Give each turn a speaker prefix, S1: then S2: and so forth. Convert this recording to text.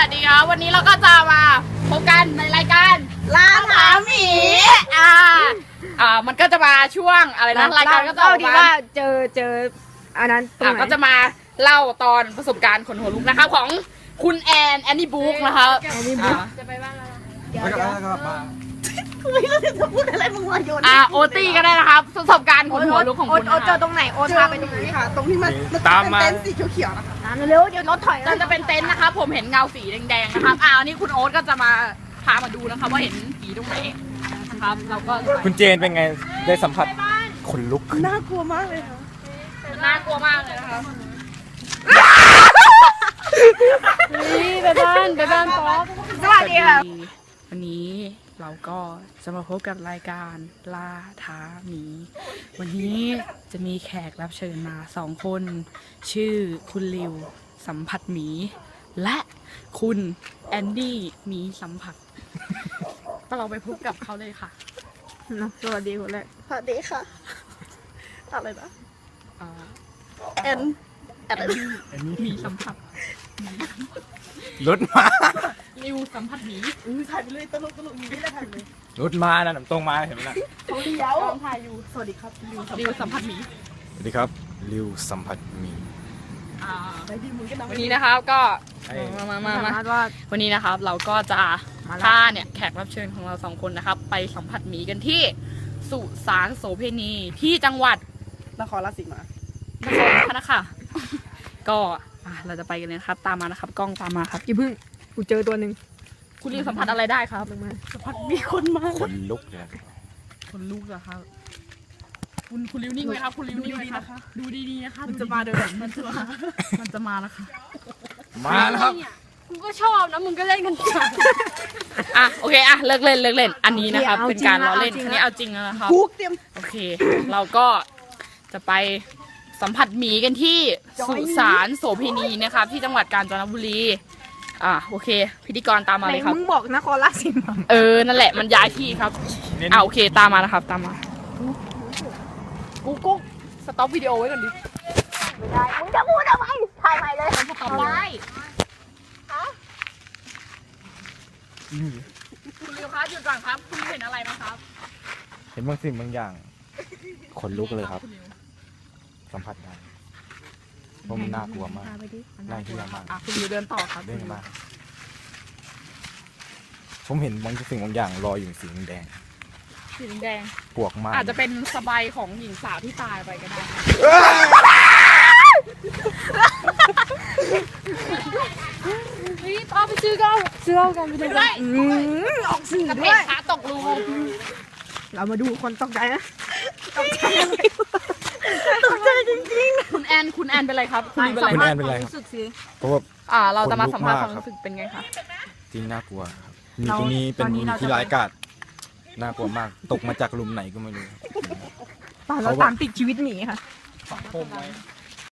S1: สดีครับวันนี้เราก็จะมาพบกันในรายการล่าถามหมีมันก็จะมาช่วงอะไรนะรายการก็จะ
S2: ดีว่าเจออันนั้นตรงไหน
S1: ก็จะมาเล่าตอนประสบการณ์ขนหัวลุกนะครับของคุณแอนนี่บุ๊กนะครับจะไปบ้านเราไม่รู้จะพูดอะไรมึงมาโยนโอตี้ก็ได้นะครับประสบการณ์ขนหัวลุกของคุณ
S2: โอเจอตรงไหนโอพาไปตรงไหน
S3: ค่ะตรงที่มัน
S4: ตามมา
S3: เต็นท์สีเขียวๆนะคะ
S2: เร็วเดี๋ยวรถถอย
S1: จะเป็นเต็นท์นะครับผมเห็นเงาสีแดงๆนะครับอันนี้คุณโอ๊ตก็จะมาพามาดูนะครับว่าเห็นผีตรงไหนนะครับเราก็
S4: คุณเจนเป็นไงได้สัมผัสขนลุก
S3: น่ากลัวมากเลยค่ะ
S1: น่ากลัวมากเลยนะคะ
S2: ไปบ้านป๊อกสวัสดีค่ะ
S1: วันนี้เราก็จะมาพบกับรายการล่าท้าหมีวันนี้จะมีแขกรับเชิญมา2 คนชื่อคุณลิวสัมผัสหมีและคุณแอนดี้หมีสัมผัสก็เราไปพบกับเขาเลยค่ะ
S2: สวัสดีคนแรก
S3: สวัสดีค่ะอะไรนะแอน
S1: มีสัมผัส
S4: รถมา
S1: ลิวสัมผัสหมี
S3: ถ่ายไปเลยตลกมีไม่ได้ถ่ายเลย
S4: รถมานะตรงมาเห็นไหมล่ะ
S3: เขาเลี้ยวถ่ายอยู่สวัสดีครับ
S1: ลิวสัมผัสหมี
S4: สวัสดีครับลิวสัมผัสหมี
S1: วันนี้นะครับก็มาวันนี้นะครับเราก็จะพาเนี่ยแขกรับเชิญของเรา2 คนนะครับไปสัมผัสหมีกันที่สุสานโสเพณีที่จังหวัด
S3: นครราชสีมาน
S1: ครพะนะคะก็เราจะไปกันเลยนะครับตามมานะครับกล้องตามมาครับ
S2: กี่พึ่งกูเจอตัวหนึ่ง
S1: คุณลิวสัมผัสอะไรได้ครับ
S3: สัมผัสมีคนมา
S4: ขนลุกเลย
S1: คนลุกเหรอครับคุณลิวนิ่งไหมครับคุณลิวนิ่งไหมคะดูดีๆนะคะ
S3: มันจะมาเดิน
S1: มันจะมาแล้วค่ะ
S4: มาแล้วครับ
S2: กูก็ชอบนะมึงก็เล่นกัน
S1: โอเคเลิกเล่นอันนี้นะครับเป็นการล้อเล่นนี่เอาจริงแล้วนะครับโอเคเราก็จะไปสัมผัสหมีกันที่สุสานโสเพณีนะครับที่จังหวัดกาญจนบุรีโอเคพิธีกรตามมาเลยครับ
S2: มึงบอกนครราชสีมา
S1: นั่นแหละมันย้ายที่ครับโอเคตามมานะครับตามมากูสต็อปวิดีโอไว้ก่อนดิ
S2: ไม่ได้มึงจะพูดอะไรถ่ายใหม่เลย
S1: ทำได้คุณลิวครับหยุดก่อนครับคุณเห็นอะไรไหมครับ
S4: เห็นบางสิ่งบางอย่างขนลุกเลยครับสัมผัสได้เพราะมันน่ากลัวมากน่ากลัวมาก
S1: คุณลิวเดินต่อครับ
S4: เดินมาผมเห็นบางสิ่งบางอย่างลอยอยู่สีแดงปวกมาก
S1: อาจจะเป็นสบายของหญิงสาวที่ตายไปก็ได้นี่ป้าไปซื้อกันไปดูได้ออกสื่อด้วยขาตกรู
S2: เรามาดูคนตกใจนะ
S3: ตกใจจริง
S1: ๆคุณแอนเป็นไรครับ
S4: คุณแอนเป็นไรครับเพราะว่า
S1: เราจะมาสัมภาษณ์ความรู้สึกเป็นไงคะ
S4: จริงน่ากลัวครับมีตรงนี้เป็นที่ร้ายกาจน่ากลัวมากตกมาจากหลุมไหนก็ไม่รู้
S2: เราตามติดชีวิตหมีค่ะ
S4: ฝังโคมไว้